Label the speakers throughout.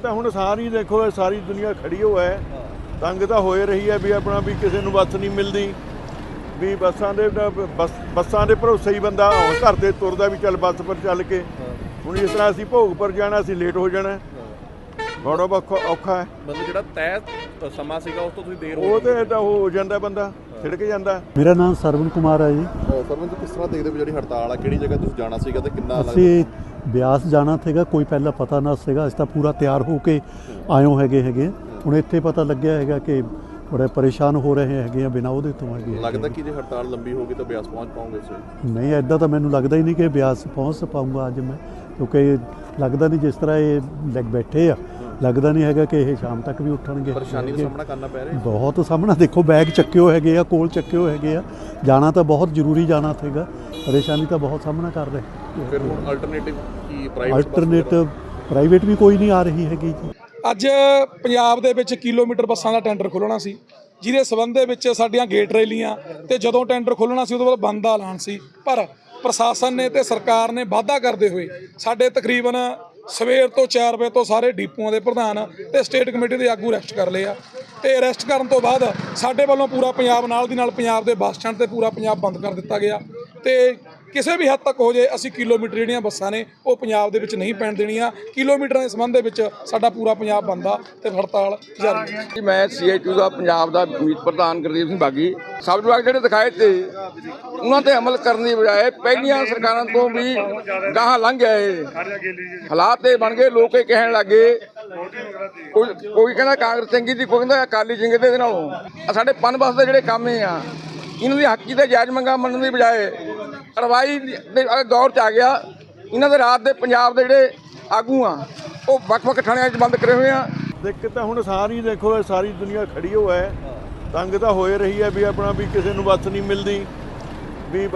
Speaker 1: ਤਾਂ ਹੁਣ ਸਾਰੀ ਦੇਖੋ ਇਹ ਸਾਰੀ ਦੁਨੀਆ ਖੜੀ ਹੋ ਹੈ ਤੰਗ ਤਾਂ ਹੋਏ ਰਹੀ ਹੈ ਵੀ ਆਪਣਾ ਵੀ ਕਿਸੇ ਨੂੰ ਬੱਸ ਨਹੀਂ ਮਿਲਦੀ ਵੀ ਬੱਸਾਂ ਦੇ ਭਰੋਸੇ ਹੀ ਬੰਦਾ ਹੁਣ ਘਰ ਤੇ ਤੁਰਦਾ ਵੀ ਚੱਲ ਬੱਸ ਪਰ ਚੱਲ ਕੇ ਹੁਣ ਇਸ ਤਰ੍ਹਾਂ ਅਸੀਂ ਭੋਗਪੁਰ ਜਾਣਾ ਅਸੀਂ ਲੇਟ ਹੋ ਜਾਣਾ ਬੜਾ ਔਖਾ ਹੈ।
Speaker 2: ਮਤਲਬ ਜਿਹੜਾ ਤੈਅ ਸਮਾਂ ਸੀਗਾ ਉਸ ਤੋਂ ਤੁਸੀਂ ਦੇਰ
Speaker 1: ਉਹ ਤੇ ਏਦਾਂ ਹੋ ਜਾਂਦਾ ਬੰਦਾ ਛਿੜਕ ਜਾਂਦਾ।
Speaker 3: ਮੇਰਾ ਨਾਮ ਸਰਵਨ ਕੁਮਾਰ ਹੈ ਜੀ।
Speaker 2: ਸਰਵਨ ਜੀ ਕਿਸ ਤਰ੍ਹਾਂ ਦੇਖਦੇ ਹੋ ਜਿਹੜੀ ਹੜਤਾਲ ਆ ਕਿਹੜੀ ਜਗ੍ਹਾ ਤੁਸੀਂ ਜਾਣਾ ਸੀਗਾ ਤੇ ਕਿੰਨਾ
Speaker 3: ਅਸੀਂ ਬਿਆਸ ਜਾਣਾ ਸੀਗਾ ਕੋਈ ਪਹਿਲਾਂ ਪਤਾ ਨਾ ਸੀਗਾ ਅਸੀਂ ਤਾਂ ਪੂਰਾ ਤਿਆਰ ਹੋ ਕੇ ਆਇਓ ਹੈਗੇ ਹੁਣ ਇੱਥੇ ਪਤਾ ਲੱਗਿਆ ਹੈਗਾ ਕਿ ਬੜੇ ਪਰੇਸ਼ਾਨ ਹੋ ਰਹੇ ਹੈਗੇ ਆ ਬਿਨਾਂ ਉਹਦੇ ਤੋਂ ਹੈਗੇ।
Speaker 2: ਲੱਗਦਾ ਕਿ ਜੇ ਹੜਤਾਲ ਲੰਬੀ ਹੋਗੀ ਤਾਂ ਬਿਆਸ ਪਹੁੰਚ ਪਾਉਂਗੇ ਤੁਸੀਂ?
Speaker 3: ਨਹੀਂ ਐਦਾਂ ਤਾਂ ਮੈਨੂੰ ਲੱਗਦਾ ਹੀ ਨਹੀਂ ਕਿ ਬਿਆਸ ਪਹੁੰਚ ਪਾਊਂਗਾ ਅੱਜ ਮੈਂ ਕਿਉਂਕਿ ਲੱਗਦਾ ਨਹੀਂ ਜਿਸ ਤਰ੍ਹਾਂ ਇਹ ਲੱਗ ਬੈਠੇ ਆ ਲੱਗਦਾ ਨਹੀਂ ਹੈਗਾ ਕਿ ਇਹ ਸ਼ਾਮ ਤੱਕ ਵੀ ਉੱਠਣਗੇ।
Speaker 2: ਪਰੇਸ਼ਾਨੀ ਦਾ ਸਾਹਮਣਾ ਕਰਨਾ ਪੈ ਰਿਹਾ
Speaker 3: ਬਹੁਤ ਸਾਹਮਣਾ ਦੇਖੋ ਬੈਗ ਚੱਕਿਓ ਹੈਗੇ ਆ ਕੋਲ ਚੱਕਿਓ ਹੈਗੇ ਆ ਜਾਣਾ ਤਾਂ ਬਹੁਤ ਜ਼ਰੂਰੀ ਜਾਣਾ ਸੀਗਾ ਪਰੇਸ਼ਾਨੀ ਤਾਂ ਬਹੁਤ ਸਾਹਮਣਾ ਕਰ ਰਹੇ।
Speaker 2: ਫਿਰ ਹੁਣ ਅਲਟਰਨੇਟਿਵ ਕੀ
Speaker 3: ਪ੍ਰਾਈਵੇਟ ਵੀ ਕੋਈ ਨਹੀਂ ਆ ਰਹੀ ਹੈਗੀ ਜੀ।
Speaker 4: ਅੱਜ ਪੰਜਾਬ ਦੇ ਵਿੱਚ ਕਿਲੋਮੀਟਰ ਬੱਸਾਂ ਦਾ ਟੈਂਡਰ ਖੋਲ੍ਹਣਾ ਸੀ ਜਿਹਦੇ ਸਬੰਧ ਦੇ ਵਿੱਚ ਸਾਡੀਆਂ ਗੇਟ ਰੈਲੀਆਂ ਤੇ ਜਦੋਂ ਟੈਂਡਰ ਖੋਲ੍ਹਣਾ ਸੀ ਉਦੋਂ ਬਾਅਦ ਬੰਦ ਦਾ ਐਲਾਨ ਸੀ ਪਰ ਪ੍ਰਸ਼ਾਸਨ ਨੇ ਤੇ ਸਰਕਾਰ ਨੇ ਵਾਅਦਾ ਕਰਦੇ ਹੋਏ ਸਾਡੇ ਤਕਰੀਬਨ ਸਵੇਰ ਤੋਂ 4 ਵਜੇ ਤੋਂ ਸਾਰੇ ਡੀਪੂਆਂ ਦੇ ਪ੍ਰਧਾਨ ਤੇ ਸਟੇਟ ਕਮੇਟੀ ਦੇ ਆਗੂ ਅਰੈਸਟ ਕਰ ਲਏ ਆ ਤੇ ਅਰੈਸਟ ਕਰਨ ਤੋਂ ਬਾਅਦ ਸਾਡੇ ਵੱਲੋਂ ਪੂਰਾ ਪੰਜਾਬ ਨਾਲ ਦੀ ਨਾਲ ਪੰਜਾਬ ਦੇ ਬੱਸ ਸਟੈਂਡ ਤੇ ਪੂਰਾ ਪੰਜਾਬ ਬੰਦ ਕਰ ਦਿੱਤਾ ਗਿਆ ਤੇ ਕਿਸੇ ਵੀ ਹੱਦ ਤੱਕ ਹੋ ਜੇ ਅਸੀਂ ਕਿਲੋਮੀਟਰ ਜਿਹੜੀਆਂ ਬੱਸਾਂ ਨੇ ਉਹ ਪੰਜਾਬ ਦੇ ਵਿੱਚ ਨਹੀਂ ਪੈਣ ਦੇਣੀਆਂ। ਕਿਲੋਮੀਟਰਾਂ ਦੇ ਸੰਬੰਧ ਦੇ ਵਿੱਚ ਸਾਡਾ ਪੂਰਾ ਪੰਜਾਬ ਬੰਦ ਆ ਤੇ ਹੜਤਾਲ ਜਾਰੀ ਹੈ।
Speaker 5: ਮੈਂ CITU ਦਾ ਪੰਜਾਬ ਦਾ ਮੀਤ ਪ੍ਰਧਾਨ ਗੁਰਦੀਪ ਸਿੰਘ ਬਾਗੀ ਸਬ ਵਿਭਾਗ ਜਿਹੜੇ ਦਿਖਾਏ ਤੇ ਉਹਨਾਂ ਤੇ ਅਮਲ ਕਰਨ ਦੀ ਬਜਾਏ ਪਹਿਲੀਆਂ ਸਰਕਾਰਾਂ ਤੋਂ ਵੀ ਗਾਹਾਂ ਲੰਘ ਗਏ ਹਾਲਾਤ ਇਹ ਬਣ ਗਏ। ਲੋਕ ਇਹ ਕਹਿਣ ਲੱਗੇ ਕੋਈ ਕਹਿੰਦਾ ਕਾਂਗਰਸ ਚੰਗੀ ਦੀ ਕੋਈ ਕਹਿੰਦਾ ਅਕਾਲੀ ਚੰਗੇ ਦੇ ਨਾਲੋਂ ਸਾਡੇ ਪਨ ਬੱਸ ਦੇ ਜਿਹੜੇ ਕੰਮ ਆ ਇਹਨਾਂ ਦੀ ਹੱਕੀ ਤੇ ਜਾਇਜ਼ ਮੰਗਾਂ ਮੰਨਣ ਦੀ ਬਜਾਏ ਕਾਰਵਾਈ ਦੇ ਦੌਰ 'ਚ ਆ ਗਿਆ। ਇਹਨਾਂ ਦੇ ਰਾਤ ਦੇ ਪੰਜਾਬ ਦੇ ਜਿਹੜੇ ਆਗੂ ਆ ਉਹ ਵੱਖ-ਵੱਖ ਥਾਣਿਆਂ 'ਚ ਬੰਦ ਕਰੇ ਹੋਏ ਆ।
Speaker 1: ਦਿੱਕਤ ਤਾਂ ਹੁਣ ਸਾਰੀ ਦੇਖੋ ਇਹ ਸਾਰੀ ਦੁਨੀਆ ਖੜੀ ਹੋ ਹੈ ਤੰਗ ਤਾਂ ਹੋਏ ਰਹੀ ਹੈ ਵੀ ਆਪਣਾ ਵੀ ਕਿਸੇ ਨੂੰ ਬੱਸ ਨਹੀਂ ਮਿਲਦੀ ਵੀ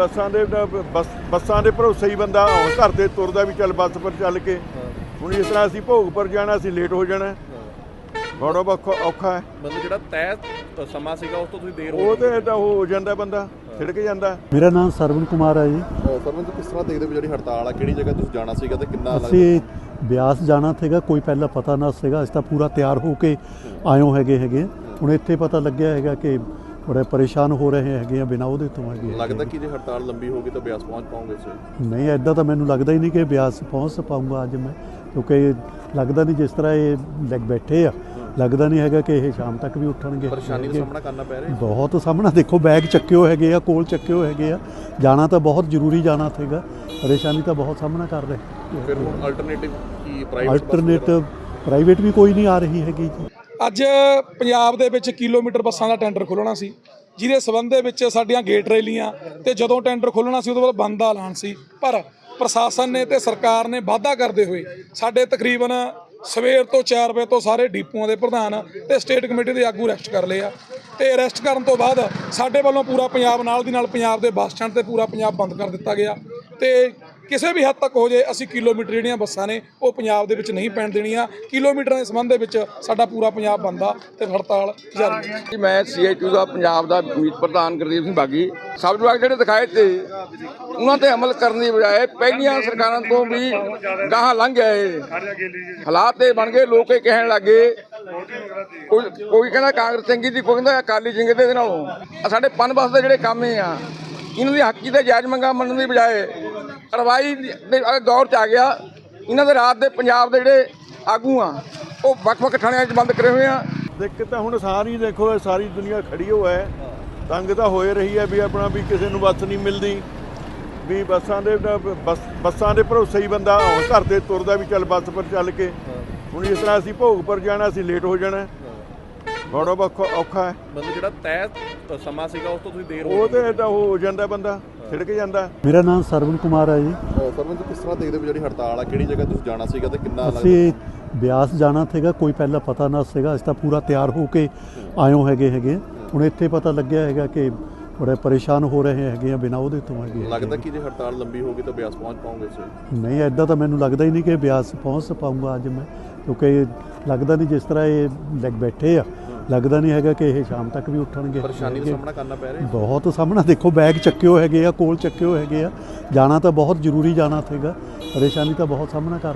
Speaker 1: ਬੱਸਾਂ ਦੇ ਭਰੋਸੇ ਹੀ ਬੰਦਾ ਹੁਣ ਘਰ ਤੇ ਤੁਰਦਾ ਵੀ ਚੱਲ ਬੱਸ ਪਰ ਚੱਲ ਕੇ ਹੁਣ ਇਸ ਤਰ੍ਹਾਂ ਅਸੀਂ ਭੋਗਪੁਰ ਜਾਣਾ ਅਸੀਂ ਲੇਟ ਹੋ ਜਾਣਾ ਬੜਾ ਔਖਾ ਹੈ।
Speaker 2: ਮਤਲਬ ਜਿਹੜਾ ਤੈਅ ਸਮਾਂ ਸੀਗਾ ਉਸ ਤੋਂ ਤੁਸੀਂ ਦੇਰ
Speaker 1: ਉਹ ਤੇ ਏਦਾਂ ਹੋ ਜਾਂਦਾ ਬੰਦਾ ਛਿੜਕ ਜਾਂਦਾ।
Speaker 3: ਮੇਰਾ ਨਾਮ ਸਰਵਨ ਕੁਮਾਰ ਹੈ ਜੀ।
Speaker 2: ਸਰਵਨ ਜੀ ਕਿਸ ਤਰ੍ਹਾਂ ਦੇਖਦੇ ਹੋ ਜਿਹੜੀ ਹੜਤਾਲ ਆ ਕਿਹੜੀ ਜਗ੍ਹਾ ਤੁਸੀਂ ਜਾਣਾ ਸੀਗਾ ਤੇ ਕਿੰਨਾ
Speaker 3: ਅਸੀਂ ਬਿਆਸ ਜਾਣਾ ਸੀਗਾ ਕੋਈ ਪਹਿਲਾਂ ਪਤਾ ਨਾ ਸੀਗਾ ਅਸੀਂ ਤਾਂ ਪੂਰਾ ਤਿਆਰ ਹੋ ਕੇ ਆਇਓ ਹੈਗੇ ਹੁਣ ਇੱਥੇ ਪਤਾ ਲੱਗਿਆ ਹੈਗਾ ਕਿ ਬੜੇ ਪਰੇਸ਼ਾਨ ਹੋ ਰਹੇ ਹੈਗੇ ਆ ਬਿਨਾਂ ਉਹਦੇ ਤੋਂ ਹੈਗੇ।
Speaker 2: ਲੱਗਦਾ ਕਿ ਜੇ ਹੜਤਾਲ ਲੰਬੀ ਹੋਗੀ ਤਾਂ ਬਿਆਸ ਪਹੁੰਚ ਪਾਉਂਗੇ ਤੁਸੀਂ?
Speaker 3: ਨਹੀਂ ਐਦਾਂ ਤਾਂ ਮੈਨੂੰ ਲੱਗਦਾ ਹੀ ਨਹੀਂ ਕਿ ਬਿਆਸ ਪਹੁੰਚ ਪਾਊਂਗਾ ਅੱਜ ਮੈਂ ਕਿਉਂਕਿ ਲੱਗਦਾ ਨਹੀਂ ਜਿਸ ਤਰ੍ਹਾਂ ਇਹ ਲੱਗ ਬੈਠੇ ਆ ਲੱਗਦਾ ਨਹੀਂ ਹੈਗਾ ਕਿ ਇਹ ਸ਼ਾਮ ਤੱਕ ਵੀ ਉੱਠਣਗੇ।
Speaker 2: ਪਰੇਸ਼ਾਨੀ ਦਾ ਸਾਹਮਣਾ ਕਰਨਾ ਪੈ ਰਿਹਾ
Speaker 3: ਬਹੁਤ ਸਾਹਮਣਾ ਦੇਖੋ ਬੈਗ ਚੱਕਿਓ ਹੈਗੇ ਆ ਕੋਲ ਚੱਕਿਓ ਹੈਗੇ ਆ ਜਾਣਾ ਤਾਂ ਬਹੁਤ ਜ਼ਰੂਰੀ ਜਾਣਾ ਸੀਗਾ ਪਰੇਸ਼ਾਨੀ ਤਾਂ ਬਹੁਤ ਸਾਹਮਣਾ ਕਰ ਰਹੇ।
Speaker 2: ਫਿਰ ਹੁਣ ਅਲਟਰਨੇਟਿਵ ਕੀ
Speaker 3: ਪ੍ਰਾਈਵੇਟ ਵੀ ਕੋਈ ਨਹੀਂ ਆ ਰਹੀ ਹੈਗੀ ਜੀ।
Speaker 4: ਅੱਜ ਪੰਜਾਬ ਦੇ ਵਿੱਚ ਕਿਲੋਮੀਟਰ ਬੱਸਾਂ ਦਾ ਟੈਂਡਰ ਖੋਲ੍ਹਣਾ ਸੀ ਜਿਹਦੇ ਸਬੰਧ ਦੇ ਵਿੱਚ ਸਾਡੀਆਂ ਗੇਟ ਰੈਲੀਆਂ ਤੇ ਜਦੋਂ ਟੈਂਡਰ ਖੋਲ੍ਹਣਾ ਸੀ ਉਦੋਂ ਬਾਅਦ ਬੰਦ ਦਾ ਐਲਾਨ ਸੀ ਪਰ ਪ੍ਰਸ਼ਾਸਨ ਨੇ ਤੇ ਸਰਕਾਰ ਨੇ ਵਾਅਦਾ ਕਰਦੇ ਹੋਏ ਸਾਡੇ ਤਕਰੀਬਨ ਸਵੇਰ ਤੋਂ 4 ਵਜੇ ਤੋਂ ਸਾਰੇ ਡੀਪੂਆਂ ਦੇ ਪ੍ਰਧਾਨ ਤੇ ਸਟੇਟ ਕਮੇਟੀ ਦੇ ਆਗੂ ਅਰੈਸਟ ਕਰ ਲਏ ਆ ਤੇ ਅਰੈਸਟ ਕਰਨ ਤੋਂ ਬਾਅਦ ਸਾਡੇ ਵੱਲੋਂ ਪੂਰਾ ਪੰਜਾਬ ਨਾਲ ਦੀ ਨਾਲ ਪੰਜਾਬ ਦੇ ਬੱਸ ਸਟੈਂਡ ਤੇ ਪੂਰਾ ਪੰਜਾਬ ਬੰਦ ਕਰ ਦਿੱਤਾ ਗਿਆ ਤੇ ਕਿਸੇ ਵੀ ਹੱਦ ਤੱਕ ਹੋ ਜੇ ਅਸੀਂ ਕਿਲੋਮੀਟਰ ਜਿਹੜੀਆਂ ਬੱਸਾਂ ਨੇ ਉਹ ਪੰਜਾਬ ਦੇ ਵਿੱਚ ਨਹੀਂ ਪੈਣ ਦੇਣੀਆਂ। ਕਿਲੋਮੀਟਰਾਂ ਦੇ ਸੰਬੰਧ ਦੇ ਵਿੱਚ ਸਾਡਾ ਪੂਰਾ ਪੰਜਾਬ ਬੰਦ ਆ ਤੇ ਹੜਤਾਲ ਜਾਰੀ ਹੈ।
Speaker 5: ਮੈਂ CITU ਦਾ ਪੰਜਾਬ ਦਾ ਮੀਤ ਪ੍ਰਧਾਨ ਗੁਰਦੀਪ ਸਿੰਘ ਬਾਗੀ ਸਬ ਵਿਭਾਗ ਜਿਹੜੇ ਦਿਖਾਏ ਤੇ ਉਹਨਾਂ ਤੇ ਅਮਲ ਕਰਨ ਦੀ ਬਜਾਏ ਪਹਿਲੀਆਂ ਸਰਕਾਰਾਂ ਤੋਂ ਵੀ ਗਾਹਾਂ ਲੰਘ ਗਏ ਹਾਲਾਤ ਇਹ ਬਣ ਗਏ। ਲੋਕ ਇਹ ਕਹਿਣ ਲੱਗੇ ਕੋਈ ਕਹਿੰਦਾ ਕਾਂਗਰਸ ਚੰਗੀ ਦੀ ਕੋਈ ਕਹਿੰਦਾ ਅਕਾਲੀ ਚੰਗੇ ਦੇ ਨਾਲੋਂ ਸਾਡੇ ਪਨ ਬੱਸ ਦੇ ਜਿਹੜੇ ਕੰਮ ਆ ਇਹਨਾਂ ਦੀ ਹੱਕੀ ਤੇ ਜਾਇਜ਼ ਮੰਗਾਂ ਮੰਨਣ ਦੀ ਬਜਾਏ ਕਾਰਵਾਈ ਦੇ ਦੌਰ 'ਚ ਆ ਗਿਆ। ਇਹਨਾਂ ਦੇ ਰਾਤ ਦੇ ਪੰਜਾਬ ਦੇ ਜਿਹੜੇ ਆਗੂ ਆ ਉਹ ਵੱਖ-ਵੱਖ ਥਾਣਿਆਂ 'ਚ ਬੰਦ ਕਰੇ ਹੋਏ ਆ।
Speaker 1: ਦਿੱਕਤ ਤਾਂ ਹੁਣ ਸਾਰੀ ਦੇਖੋ ਇਹ ਸਾਰੀ ਦੁਨੀਆ ਖੜੀ ਹੋ ਹੈ ਤੰਗ ਤਾਂ ਹੋਏ ਰਹੀ ਹੈ ਵੀ ਆਪਣਾ ਵੀ ਕਿਸੇ ਨੂੰ ਬੱਸ ਨਹੀਂ ਮਿਲਦੀ ਵੀ ਬੱਸਾਂ ਦੇ ਭਰੋਸੇ ਹੀ ਬੰਦਾ ਹੁਣ ਘਰ ਤੇ ਤੁਰਦਾ ਵੀ ਚੱਲ ਬੱਸ ਪਰ ਚੱਲ ਕੇ ਹੁਣ ਇਸ ਤਰ੍ਹਾਂ ਅਸੀਂ ਭੋਗਪੁਰ ਜਾਣਾ ਅਸੀਂ ਲੇਟ ਹੋ ਜਾਣਾ ਬੜਾ ਔਖਾ ਹੈ।
Speaker 2: ਮਤਲਬ ਜਿਹੜਾ ਤੈਅ ਸਮਾਂ ਸੀਗਾ ਉਸ ਤੋਂ ਤੁਸੀਂ ਦੇਰ
Speaker 1: ਉਹ ਤੇ ਏਦਾਂ ਹੋ ਜਾਂਦਾ ਬੰਦਾ ਛਿੜਕ ਜਾਂਦਾ।
Speaker 3: ਮੇਰਾ ਨਾਮ ਸਰਵਨ ਕੁਮਾਰ ਹੈ ਜੀ।
Speaker 2: ਸਰਵਨ ਜੀ ਕਿਸ ਤਰ੍ਹਾਂ ਦੇਖਦੇ ਹੋ ਜਿਹੜੀ ਹੜਤਾਲ ਆ ਕਿਹੜੀ ਜਗ੍ਹਾ ਤੁਸੀਂ ਜਾਣਾ ਸੀਗਾ ਤੇ ਕਿੰਨਾ
Speaker 3: ਅਸੀਂ ਬਿਆਸ ਜਾਣਾ ਸੀਗਾ ਕੋਈ ਪਹਿਲਾਂ ਪਤਾ ਨਾ ਸੀਗਾ ਅਸੀਂ ਤਾਂ ਪੂਰਾ ਤਿਆਰ ਹੋ ਕੇ ਆਇਓ ਹੈਗੇ ਹੁਣ ਇੱਥੇ ਪਤਾ ਲੱਗਿਆ ਹੈਗਾ ਕਿ ਬੜੇ ਪਰੇਸ਼ਾਨ ਹੋ ਰਹੇ ਹੈਗੇ ਆ ਬਿਨਾਂ ਉਹਦੇ ਤੋਂ ਹੈਗੇ।
Speaker 2: ਲੱਗਦਾ ਕਿ ਜੇ ਹੜਤਾਲ ਲੰਬੀ ਹੋਗੀ ਤਾਂ ਬਿਆਸ ਪਹੁੰਚ ਪਾਉਂਗੇ ਤੁਸੀਂ?
Speaker 3: ਨਹੀਂ ਐਦਾਂ ਤਾਂ ਮੈਨੂੰ ਲੱਗਦਾ ਹੀ ਨਹੀਂ ਕਿ ਬਿਆਸ ਪਹੁੰਚ ਪਾਊਂਗਾ ਅੱਜ ਮੈਂ ਕਿਉਂਕਿ ਲੱਗਦਾ ਨਹੀਂ ਜਿਸ ਤਰ੍ਹਾਂ ਇਹ ਲੱਗ ਬੈਠੇ ਆ ਲੱਗਦਾ ਨਹੀਂ ਹੈਗਾ ਕਿ ਇਹ ਸ਼ਾਮ ਤੱਕ ਵੀ ਉੱਠਣਗੇ।
Speaker 2: ਪਰੇਸ਼ਾਨੀ ਦਾ ਸਾਹਮਣਾ ਕਰਨਾ ਪੈ ਰਿਹਾ
Speaker 3: ਬਹੁਤ ਸਾਹਮਣਾ ਦੇਖੋ ਬੈਗ ਚੱਕਿਓ ਹੈਗੇ ਆ ਕੋਲ ਚੱਕਿਓ ਹੈਗੇ ਆ ਜਾਣਾ ਤਾਂ ਬਹੁਤ ਜ਼ਰੂਰੀ ਜਾਣਾ ਸੀਗਾ ਪਰੇਸ਼ਾਨੀ ਤਾਂ ਬਹੁਤ ਸਾਹਮਣਾ ਕਰ ਰਹੇ।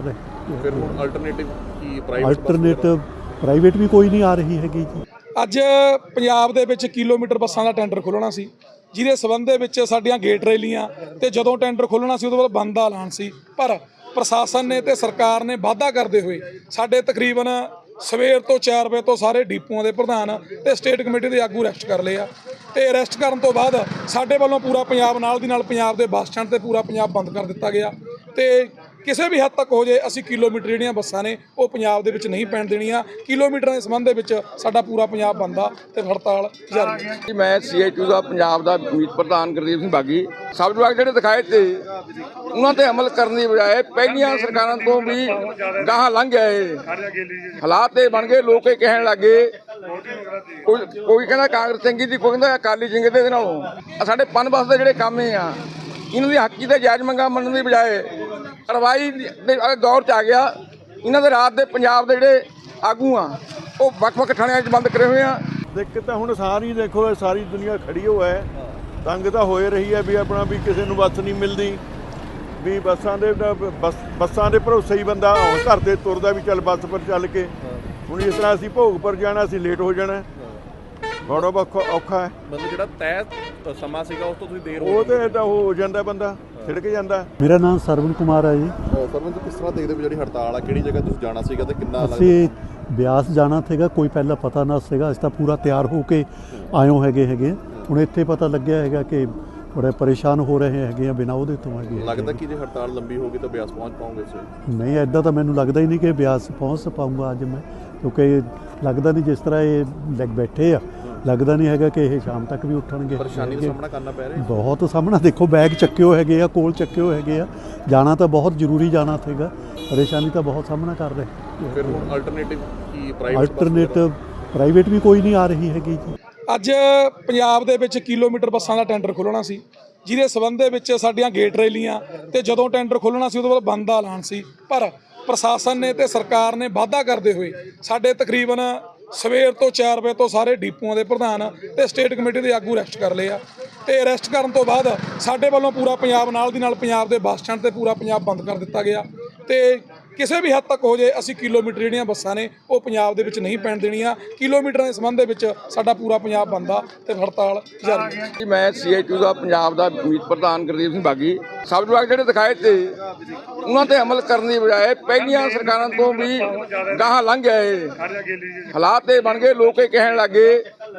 Speaker 2: ਫਿਰ ਹੁਣ ਅਲਟਰਨੇਟਿਵ ਕੀ ਪ੍ਰਾਈਵੇਟ
Speaker 3: ਅਲਟਰਨੇਟਿਵ ਪ੍ਰਾਈਵੇਟ ਵੀ ਕੋਈ ਨਹੀਂ ਆ ਰਹੀ ਹੈਗੀ ਜੀ।
Speaker 4: ਅੱਜ ਪੰਜਾਬ ਦੇ ਵਿੱਚ ਕਿਲੋਮੀਟਰ ਬੱਸਾਂ ਦਾ ਟੈਂਡਰ ਖੋਲ੍ਹਣਾ ਸੀ, ਜਿਹਦੇ ਸਬੰਧ ਦੇ ਵਿੱਚ ਸਾਡੀਆਂ ਗੇਟ ਰੈਲੀਆਂ ਤੇ ਜਦੋਂ ਟੈਂਡਰ ਖੋਲ੍ਹਣਾ ਸੀ ਉਦੋਂ ਬਾਅਦ ਬੰਦ ਦਾ ਐਲਾਨ ਸੀ। ਪਰ ਪ੍ਰਸ਼ਾਸਨ ਨੇ ਤੇ ਸਰਕਾਰ ਨੇ ਵਾਅਦਾ ਕਰਦੇ ਹੋਏ ਸਾਡੇ ਤਕਰੀਬਨ ਸਵੇਰ ਤੋਂ 4 ਵਜੇ ਤੋਂ ਸਾਰੇ ਡੀਪੂਆਂ ਦੇ ਪ੍ਰਧਾਨ ਤੇ ਸਟੇਟ ਕਮੇਟੀ ਦੇ ਆਗੂ ਅਰੈਸਟ ਕਰ ਲਏ ਆ। ਤੇ ਅਰੈਸਟ ਕਰਨ ਤੋਂ ਬਾਅਦ ਸਾਡੇ ਵੱਲੋਂ ਪੂਰਾ ਪੰਜਾਬ ਨਾਲ ਦੀ ਨਾਲ ਪੰਜਾਬ ਦੇ ਬੱਸ ਸਟੈਂਡ ਤੇ ਪੂਰਾ ਪੰਜਾਬ ਬੰਦ ਕਰ ਦਿੱਤਾ ਗਿਆ। ਤੇ ਕਿਸੇ ਵੀ ਹੱਦ ਤੱਕ ਹੋ ਜੇ ਅਸੀਂ ਕਿਲੋਮੀਟਰ ਜਿਹੜੀਆਂ ਬੱਸਾਂ ਨੇ ਉਹ ਪੰਜਾਬ ਦੇ ਵਿੱਚ ਨਹੀਂ ਪੈਣ ਦੇਣੀਆਂ। ਕਿਲੋਮੀਟਰਾਂ ਦੇ ਸੰਬੰਧ ਦੇ ਵਿੱਚ ਸਾਡਾ ਪੂਰਾ ਪੰਜਾਬ ਬੰਦ ਆ ਤੇ ਹੜਤਾਲ ਜਾਰੀ ਹੈ।
Speaker 5: ਮੈਂ CITU ਦਾ ਪੰਜਾਬ ਦਾ ਮੀਤ ਪ੍ਰਧਾਨ ਗੁਰਦੀਪ ਸਿੰਘ ਬਾਗੀ ਸਬਜ਼ ਵਿਭਾਗ ਜਿਹੜੇ ਦਿਖਾਏ ਤੇ ਉਹਨਾਂ ਤੇ ਅਮਲ ਕਰਨ ਦੀ ਬਜਾਏ ਪਹਿਲੀਆਂ ਸਰਕਾਰਾਂ ਤੋਂ ਵੀ ਗਾਹਾਂ ਲੰਘ ਗਏ ਹਾਲਾਤ ਇਹ ਬਣ ਗਏ। ਲੋਕ ਇਹ ਕਹਿਣ ਲੱਗੇ ਕੋਈ ਕਹਿੰਦਾ ਕਾਂਗਰਸ ਚੰਗੀ ਦੀ, ਕੋਈ ਕਹਿੰਦਾ ਅਕਾਲੀ ਚੰਗੇ ਦੇ ਨਾਲੋਂ। ਸਾਡੇ ਪਨ ਬੱਸ ਦੇ ਜਿਹੜੇ ਕੰਮ ਆ ਇਹਨਾਂ ਦੀ ਹੱਕੀ ਤੇ ਜਾਇਜ਼ ਮੰਗਾਂ ਮੰਨਣ ਦੀ ਬਜਾਏ ਕਾਰਵਾਈ ਦੇ ਦੌਰ 'ਚ ਆ ਗਿਆ। ਇਹਨਾਂ ਦੇ ਰਾਤ ਦੇ ਪੰਜਾਬ ਦੇ ਜਿਹੜੇ ਆਗੂ ਆ ਉਹ ਵੱਖ-ਵੱਖ ਥਾਣਿਆਂ 'ਚ ਬੰਦ ਕਰੇ ਹੋਏ ਆ।
Speaker 1: ਦਿੱਕਤ ਤਾਂ ਹੁਣ ਸਾਰੀ ਦੇਖੋ ਸਾਰੀ ਦੁਨੀਆ ਖੜੀ ਹੋ ਹੈ, ਤੰਗ ਤਾਂ ਹੋਏ ਰਹੀ ਹੈ ਵੀ ਆਪਣਾ ਵੀ ਕਿਸੇ ਨੂੰ ਬੱਸ ਨਹੀਂ ਮਿਲਦੀ, ਵੀ ਬੱਸਾਂ ਦੇ ਭਰੋਸੇ ਹੀ ਬੰਦਾ ਘਰ ਤੇ ਤੁਰਦਾ ਵੀ ਚੱਲ ਬੱਸ ਪਰ ਚੱਲ ਕੇ। ਹੁਣ ਇਸ ਤਰ੍ਹਾਂ ਅਸੀਂ ਭੋਗਪੁਰ ਜਾਣਾ, ਅਸੀਂ ਲੇਟ ਹੋ ਜਾਣਾ, ਬੜਾ ਔਖਾ ਹੈ।
Speaker 2: ਮਤਲਬ ਜਿਹੜਾ ਤੈਅ ਸਮਾਂ ਸੀਗਾ ਉਸ ਤੋਂ ਤੁਸੀਂ ਦੇਰ
Speaker 1: ਉਹ ਤੇ ਤਾਂ ਹੋ ਜਾਂਦਾ, ਬੰਦਾ ਛਿੜਕ ਜਾਂਦਾ।
Speaker 3: ਮੇਰਾ ਨਾਮ ਸਰਵਨ ਕੁਮਾਰ ਹੈ ਜੀ।
Speaker 2: ਸਰਵਨ ਜੀ, ਕਿਸ ਤਰ੍ਹਾਂ ਦੇਖਦੇ ਹੋ ਜਿਹੜੀ ਹੜਤਾਲ ਆ, ਕਿਹੜੀ ਜਗ੍ਹਾ ਤੁਸੀਂ ਜਾਣਾ ਸੀਗਾ ਤੇ ਕਿੰਨਾ
Speaker 3: ਅਸੀਂ ਬਿਆਸ ਜਾਣਾ ਸੀਗਾ, ਕੋਈ ਪਹਿਲਾਂ ਪਤਾ ਨਾ ਸੀਗਾ। ਅਸੀਂ ਤਾਂ ਪੂਰਾ ਤਿਆਰ ਹੋ ਕੇ ਆਇਓ ਹੈਗੇ। ਹੁਣ ਇੱਥੇ ਪਤਾ ਲੱਗਿਆ ਹੈਗਾ ਕਿ ਬੜੇ ਪਰੇਸ਼ਾਨ ਹੋ ਰਹੇ ਹੈਗੇ ਆ ਬਿਨਾਂ ਉਹਦੇ ਤੋਂ ਹੈਗੇ।
Speaker 2: ਲੱਗਦਾ ਕਿ ਜੇ ਹੜਤਾਲ ਲੰਬੀ ਹੋਗੀ ਤਾਂ ਬਿਆਸ ਪਹੁੰਚ ਪਾਉਂਗੇ ਤੁਸੀਂ?
Speaker 3: ਨਹੀਂ, ਐਦਾਂ ਤਾਂ ਮੈਨੂੰ ਲੱਗਦਾ ਹੀ ਨਹੀਂ ਕਿ ਬਿਆਸ ਪਹੁੰਚ ਪਾਊਂਗਾ ਅੱਜ ਮੈਂ, ਕਿਉਂਕਿ ਲੱਗਦਾ ਨਹੀਂ ਜਿਸ ਤਰ੍ਹਾਂ ਇਹ ਲੱਗ ਬੈਠੇ ਆ, ਲੱਗਦਾ ਨਹੀਂ ਹੈਗਾ ਕਿ ਇਹ ਸ਼ਾਮ ਤੱਕ ਵੀ ਉੱਠਣਗੇ।
Speaker 2: ਪਰੇਸ਼ਾਨੀ ਦਾ ਸਾਹਮਣਾ ਕਰਨਾ ਪੈ ਰਿਹਾ?
Speaker 3: ਬਹੁਤ ਸਾਹਮਣਾ, ਦੇਖੋ ਬੈਗ ਚੱਕਿਓ ਹੈਗੇ ਆ, ਕੋਲ ਚੱਕਿਓ ਹੈਗੇ ਆ। ਜਾਣਾ ਤਾਂ ਬਹੁਤ ਜ਼ਰੂਰੀ ਜਾਣਾ ਸੀਗਾ, ਪਰੇਸ਼ਾਨੀ ਤਾਂ ਬਹੁਤ ਸਾਹਮਣਾ ਕਰ ਰਹੇ।
Speaker 2: ਫਿਰ ਹੁਣ ਅਲਟਰਨੇਟਿਵ ਕੀ ਪ੍ਰਾਈਵੇਟ
Speaker 3: ਅਲਟਰਨੇਟਿਵ ਪ੍ਰਾਈਵੇਟ ਵੀ ਕੋਈ ਨਹੀਂ ਆ ਰਹੀ ਹੈਗੀ ਜੀ।
Speaker 4: ਅੱਜ ਪੰਜਾਬ ਦੇ ਵਿੱਚ ਕਿਲੋਮੀਟਰ ਬੱਸਾਂ ਦਾ ਟੈਂਡਰ ਖੋਲ੍ਹਣਾ ਸੀ, ਜਿਹਦੇ ਸਬੰਧ ਦੇ ਵਿੱਚ ਸਾਡੀਆਂ ਗੇਟ ਰੈਲੀਆਂ ਤੇ ਜਦੋਂ ਟੈਂਡਰ ਖੋਲ੍ਹਣਾ ਸੀ ਉਦੋਂ ਬਾਅਦ ਬੰਦ ਦਾ ਐਲਾਨ ਸੀ। ਪਰ ਪ੍ਰਸ਼ਾਸਨ ਨੇ ਤੇ ਸਰਕਾਰ ਨੇ ਵਾਅਦਾ ਕਰਦੇ ਹੋਏ ਸਾਡੇ ਤਕਰੀਬਨ ਸਵੇਰ ਤੋਂ 4 ਵਜੇ ਤੋਂ ਸਾਰੇ ਡੀਪੂਆਂ ਦੇ ਪ੍ਰਧਾਨ ਤੇ ਸਟੇਟ ਕਮੇਟੀ ਦੇ ਆਗੂ ਅਰੈਸਟ ਕਰ ਲਏ ਆ। ਤੇ ਅਰੈਸਟ ਕਰਨ ਤੋਂ ਬਾਅਦ ਸਾਡੇ ਵੱਲੋਂ ਪੂਰਾ ਪੰਜਾਬ ਨਾਲ ਦੀ ਨਾਲ ਪੰਜਾਬ ਦੇ ਬੱਸ ਸਟੈਂਡ ਤੇ ਪੂਰਾ ਪੰਜਾਬ ਬੰਦ ਕਰ ਦਿੱਤਾ ਗਿਆ। ਤੇ ਕਿਸੇ ਵੀ ਹੱਦ ਤੱਕ ਹੋ ਜੇ ਅਸੀਂ ਕਿਲੋਮੀਟਰ ਜਿਹੜੀਆਂ ਬੱਸਾਂ ਨੇ ਉਹ ਪੰਜਾਬ ਦੇ ਵਿੱਚ ਨਹੀਂ ਪੈਣ ਦੇਣੀਆਂ। ਕਿਲੋਮੀਟਰਾਂ ਦੇ ਸੰਬੰਧ ਦੇ ਵਿੱਚ ਸਾਡਾ ਪੂਰਾ ਪੰਜਾਬ ਬੰਦ ਆ ਤੇ ਹੜਤਾਲ ਜਾਰੀ ਹੈ।
Speaker 5: ਮੈਂ CITU ਦਾ ਪੰਜਾਬ ਦਾ ਮੀਤ ਪ੍ਰਧਾਨ ਗੁਰਦੀਪ ਸਿੰਘ ਬਾਗੀ ਸਬਜ਼ ਵਿਭਾਗ ਜਿਹੜੇ ਦਿਖਾਏ ਤੇ ਉਹਨਾਂ ਤੇ ਅਮਲ ਕਰਨ ਦੀ ਬਜਾਏ ਪਹਿਲੀਆਂ ਸਰਕਾਰਾਂ ਤੋਂ ਵੀ ਗਾਹਾਂ ਲੰਘ ਗਏ ਹਾਲਾਤ ਇਹ ਬਣ ਗਏ। ਲੋਕ ਇਹ ਕਹਿਣ ਲੱਗੇ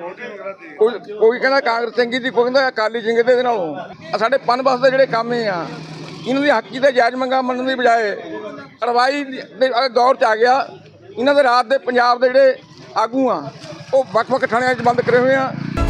Speaker 5: ਕੋਈ ਕਹਿੰਦਾ ਕਾਂਗਰਸ ਚੰਗੀ ਦੀ, ਕੋਈ ਕਹਿੰਦਾ ਅਕਾਲੀ ਚੰਗੇ ਦੇ ਨਾਲੋਂ। ਸਾਡੇ ਪਨ ਬੱਸ ਦੇ ਜਿਹੜੇ ਕੰਮ ਆ ਇਹਨਾਂ ਦੀ ਹੱਕੀ ਤੇ ਜਾਇਜ਼ ਮੰਗਾਂ ਮੰਨਣ ਦੀ ਬਜਾਏ ਕਾਰਵਾਈ ਦੇ ਦੌਰ 'ਚ ਆ ਗਿਆ। ਇਹਨਾਂ ਦੇ ਰਾਤ ਦੇ ਪੰਜਾਬ ਦੇ ਜਿਹੜੇ ਆਗੂ ਆ ਉਹ ਵੱਖ-ਵੱਖ ਥਾਣਿਆਂ 'ਚ ਬੰਦ ਕਰੇ ਹੋਏ ਆ।